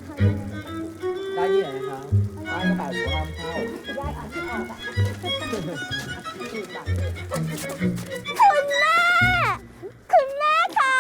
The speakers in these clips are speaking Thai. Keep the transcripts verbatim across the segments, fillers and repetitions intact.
ได้ที่ไหนนะครับได้กระเป๋าหรือว่าห้ามเข้าได้อ่านที่ออกอะคุณแม่ คุณแม่คะ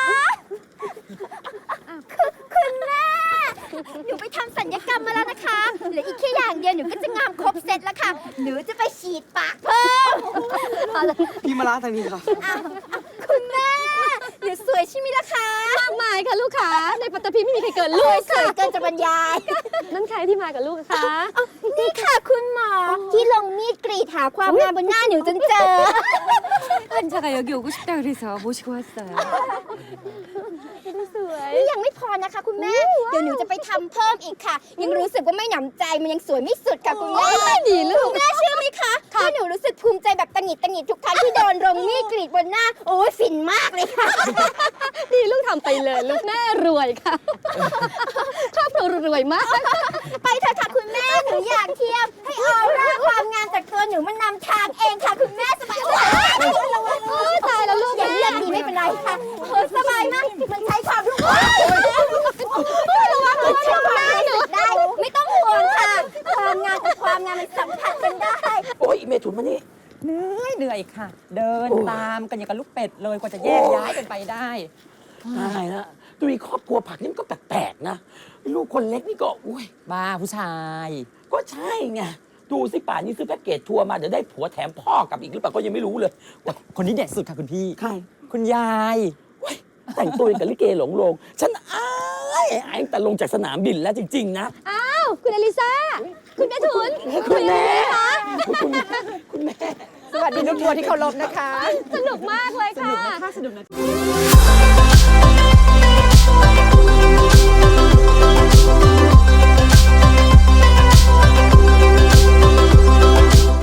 คุณคุณแม่ หนูไปทำสัญญกรรมมาแล้วนะคะเหลืออีกแค่อย่างเดียวหนูก็จะงามครบเซตแล้วค่ะ หนูจะไปฉีดปากเพิ่มพี่มาล้างทางนี้ครับอ้าวคุณแม่หนูสวยใช่ไหมล่ะคะมากมายค่ะลูกค้าในปัตตภีไม่มีใครเกินลูสวกยสวยเกินจะบรรยายนั่นใครที่มากับลูกคะนี่ค่ะคุณหมอที่ลงมีดกรีดหาความงามบนหน้าหนูจนเจอ 환자가 여기 오고 싶다 그래서 모시고 왔어요. สวยนี่ยังไม่พอนะคะคุณแม่ เดี๋ยวหนูจะไปทำเพิ่มอีกค่ะ ยังรู้สึกว่าไม่หนำใจมันยังสวยไม่สุดค่ะคุณแม่ดีลูกคุณแม่เชื่อไหมคะว่าหนูรู้สึกภูมิใจแบบตังหงิดตังหงิดทุกครั้งที่โดนลงมีดกรีดบนหน้า โอ้ยฟินมากเลยค่ะดีลูกทำไปเลยลูกแม่รวยค่ะครอบครัวรวยมากไปเถอะค่ะคุณแม่หนูอยากเที่ยวให้ออร่าความงามจากตัวหนูมันนำทางเองค่ะคุณแม่สบายมากตายแล้วลูกอย่าแม่เลือกดีไม่เป็นไรค่ะเออสบายมากมันใช้ความรู้ระวังระวังระวังได้ได้ไม่ต้องห่วงค่ะ ความงามกับความงามมันสัมผัสกันได้โอ้ยเมถุนมานี่เหนื่อยเหนื่อยค่ะ เดินโอ้ตามกันอย่างกับลูกเป็ดเลยกว่าจะแยกย้ายกันไปได้ตายละตัวมีครอบครัวผักนี่มันก็แปลกๆนะ ลูกคนเล็กนี่ก็อุ้ยบ้าผู้ชายก็ใช่ไง ดูสิป่านนี้ซื้อแพ็กเกจทัวร์มาเดี๋ยวได้ผัวแถมพ่อกลับอีกหรือเปล่าก็ยังไม่รู้เลยคนนี้เด็ดสุดค่ะคุณพี่ใครคุณยายเว้ยแต่งตัวอย่างกับลิเกหลงโลง ฉันอายอายตั้งแต่ลงจากสนามบินแล้วจริง ๆ นะอ้าวคุณอลิซาคุณแม่ทุนคุณแม่คุณแม่คุณแม่สวัสดีลูกทัวร์ที่เคารพนะคะสนุกมากเลยค่ะสนุกนะคะสนุกนะคะ